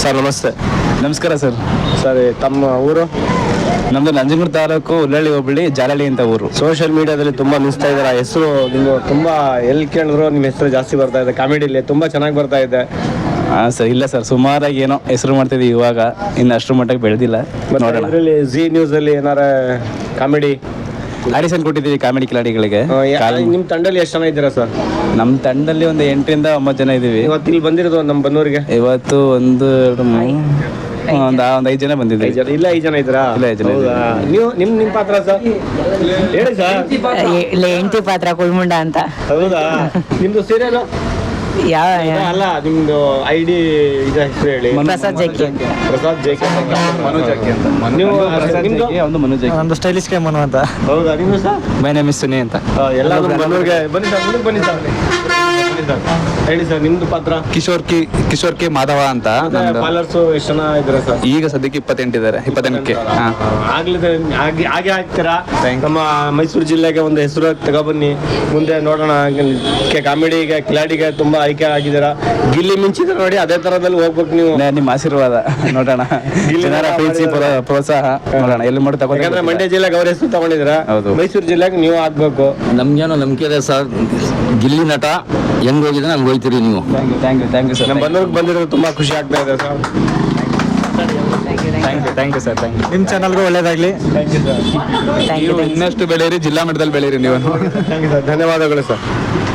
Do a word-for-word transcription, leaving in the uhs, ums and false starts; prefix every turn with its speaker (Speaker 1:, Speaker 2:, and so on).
Speaker 1: Sir ನಮಸ್ತೆ.
Speaker 2: ನಮಸ್ಕಾರ sir.
Speaker 1: Sir ತಮ್ಮ ಊರು?
Speaker 2: ನಮ್ದು ನಂಜನಗೂಡು ತಾಲೂಕು ಉಲ್ಲಳ್ಳಿ ಹೋಬಳಿ ಜಾಲಹಳ್ಳಿ ಅಂತ ಊರು.
Speaker 1: ಸೋಷಿಯಲ್ ಮೀಡಿಯಾದಲ್ಲಿ ತುಂಬಾ ನಿಲ್ಸ್ತಾ ಇದ್ದಾರೆ ಹೆಸರು, ನೀವು ತುಂಬಾ ಎಲ್ಲಿ ಕೇಳಿದ್ರು ನಿಮ್ಮ ಹೆಸರು ಜಾಸ್ತಿ ಬರ್ತಾ ಇದೆ. ಕಾಮಿಡಿಲಿ ತುಂಬಾ ಚೆನ್ನಾಗಿ ಬರ್ತಾ ಇದೆ.
Speaker 2: ಹಾಂ ಸರ್, ಇಲ್ಲ ಸರ್, ಸುಮಾರಾಗಿ ಏನೋ ಹೆಸರು ಮಾಡ್ತಿದ್ವಿ, ಇವಾಗ ಇನ್ನು ಅಷ್ಟರ ಮಟ್ಟಿಗೆ ಬೆಳೆದಿಲ್ಲ. ನೋಡೋಣ.
Speaker 1: ಇದರಲ್ಲಿ ಜಿ ನ್ಯೂಸ್ ಅಲ್ಲಿ ಏನಾರ ಕಾಮಿಡಿ
Speaker 2: ಆಡಿಷನ್ ಕೊಟ್ಟಿದ್ದೀವಿ ಕಾಮಿಡಿ ಕಿಲಾಡಿಗಳಿಗೆ.
Speaker 1: ನಿಮ್ಮ ತಂಡದಲ್ಲಿ ಎಷ್ಟು ಜನ ಇದ್ದೀರಾ ಸರ್?
Speaker 2: ನಮ್ಮ ತಂಡದಲ್ಲಿ ಒಂದು ಎಂಟರಿಂದ ಒಂಬತ್ತು ಜನ ಇದ್ದೀವಿ.
Speaker 1: ಇವತ್ತು ಇಲ್ಲಿ ಬಂದಿರೋದು ನಮ್ಮ ಬನ್ನೂರಿಗೆ
Speaker 2: ಇವತ್ತು ಒಂದು ಎರಡು ಮೂರು ಒಂದು ಒಂದು ಐದು ಜನ ಬಂದಿದ್ದೀವಿ.
Speaker 1: ಇಲ್ಲ ಐದು ಜನ ಇದ್ದೀರಾ?
Speaker 2: ಇಲ್ಲ ಐದು ಜನ ಇದ್ದೀವಿ.
Speaker 1: ನೀವು ನಿಮ್ಮ ನಿಮ್ಮ ಪಾತ್ರ ಸರ್ ಹೇಳಿ ಸರ್.
Speaker 3: ಇಲ್ಲ ಹೆಂಡತಿ ಪಾತ್ರ ಕುಳ್ಮುಂಡ ಅಂತ.
Speaker 1: ಹೌದಾ? ನಿಮ್ದು ಸೀರಿಯಲ್
Speaker 3: ಯಾವ
Speaker 1: ಅಲ್ಲ, ನಿಮ್ದು ಐ ಡಿ ಇದು ಹೆಸರು ಹೇಳಿ.
Speaker 3: ಪ್ರಸಾದ್ ಜಕ್ಕಿ.
Speaker 1: ಪ್ರಸಾದ್ ಜೇಕೆ.
Speaker 2: ಮನೋಜ್ ಜಾಕಿ ಅಂತ.
Speaker 1: ನೀವು
Speaker 2: ಪ್ರಸಾದ್
Speaker 1: ನಿಮ್ದು?
Speaker 2: ಜಾಕಿ, ಒಂದು ಮನೋಜ್ ಜಾಕಿ.
Speaker 4: ನಮ್ದು ಸ್ಟೈಲಿಶ್ ಕೆ ಮನು ಅಂತ.
Speaker 1: ಹೌದಾ? ನಿಮ್ಮ sir?
Speaker 2: My name is Suni ಅಂತ.
Speaker 1: ಎಲ್ಲ ಬನ್ನೂರಿಗೆ ಬನ್ನಿ ಸರ್, ಮುಂದಕ್ಕೆ ಬನ್ನಿ ಸರ್. ಬನ್ನಿ ಸರ್, ಹೇಳಿ ಸರ್ ನಿಮ್ದು ಪಾತ್ರ.
Speaker 2: ಕಿಶೋರ್ ಕಿ ಕಿಶೋರ್ ಕೆ ಮಾಧವ ಅಂತ.
Speaker 1: ಫಾಲೋವರ್ಸ್ ಎಷ್ಟು ಜನ ಇದ್ದಾರೆ ಸರ್?
Speaker 2: ಈಗ ಸದ್ಯಕ್ಕೆ ಇಪ್ಪತ್ತೆಂಟು ಇದ್ದಾರೆ. ಇಪ್ಪತ್ತೆಂಟಕ್ಕೆ ಹಾಂ
Speaker 1: ಆಗ್ಲಿದೆ ಹಾಗೆ ಹಾಗೆ ಹಾಕ್ತೀರಾ. ನಮ್ಮ ಮೈಸೂರು ಜಿಲ್ಲೆಗೆ ಒಂದು ಹೆಸರು ತಗೊಬನ್ನಿ, ಮುಂದೆ ನೋಡೋಣ. ಕಾಮಿಡಿಗೆ ಕಿಲಾಡಿಗೆ ತುಂಬಾ ಆಯ್ಕೆ ಆಗಿದ್ದೀರಾ. ಗಿಲ್ಲಿ ಮಿಂಚಿದ್ರೆ ನೋಡಿ, ಅದೇ ತರದಲ್ಲಿ ಹೋಗ್ಬೇಕು ನೀವು.
Speaker 2: ನಿಮ್ಮ ಆಶೀರ್ವಾದ ನೋಡೋಣ. ಜನರ ಪ್ರೀತಿ ಪ್ರೋ- ಪ್ರೋತ್ಸಾಹ ನೋಡೋಣ ಎಲ್ಲಿ ಮಾಡಿ
Speaker 1: ಯಾಕಂದ್ರೆ
Speaker 2: ತಗೊಂಡ್ರೆ.
Speaker 1: ಮಂಡ್ಯ ಜಿಲ್ಲೆಗೆ ಅವ್ರ ಹೆಸರು ತಗೊಂಡಿದ್ದೀರಾ,
Speaker 2: ಹೌದು.
Speaker 1: ಮೈಸೂರು ಜಿಲ್ಲೆಗೆ ನೀವು ಆಗ್ಬೇಕು.
Speaker 4: ನಮ್ಗೇನೋ ನಂಬಿಕೆ ಇದೆ ಸರ್. ಗಿಲ್ಲಿ ನಟ ಹೆಂಗ್ ಹೋಗಿದೆ ಹಂಗೆ ಹೋಗ್ತೀರಿ ನೀವು.
Speaker 2: Thank you thank you thank you sir.
Speaker 1: ನಮ್ಮ ಬನ್ನೂರಿಗೆ ಬಂದಿರೋದು ತುಂಬಾ ಖುಷಿ ಆಗ್ತಾ ಇದೆ ಸರ್.
Speaker 2: Thank you thank you sir. Thank you.
Speaker 4: ನಿಮ್ಮ ಚಾನಲ್ಗೂ ಒಳ್ಳೇದಾಗ್ಲಿ.
Speaker 1: Thank you sir.
Speaker 3: Thank you
Speaker 2: ನೀವು ಇನ್ನಷ್ಟು ಬೆಳೀರಿ, ಜಿಲ್ಲಾ ಮಟ್ಟದಲ್ಲಿ ಬೆಳೀರಿ ನೀವು.
Speaker 1: Thank you sir. ಧನ್ಯವಾದಗಳು ಸರ್.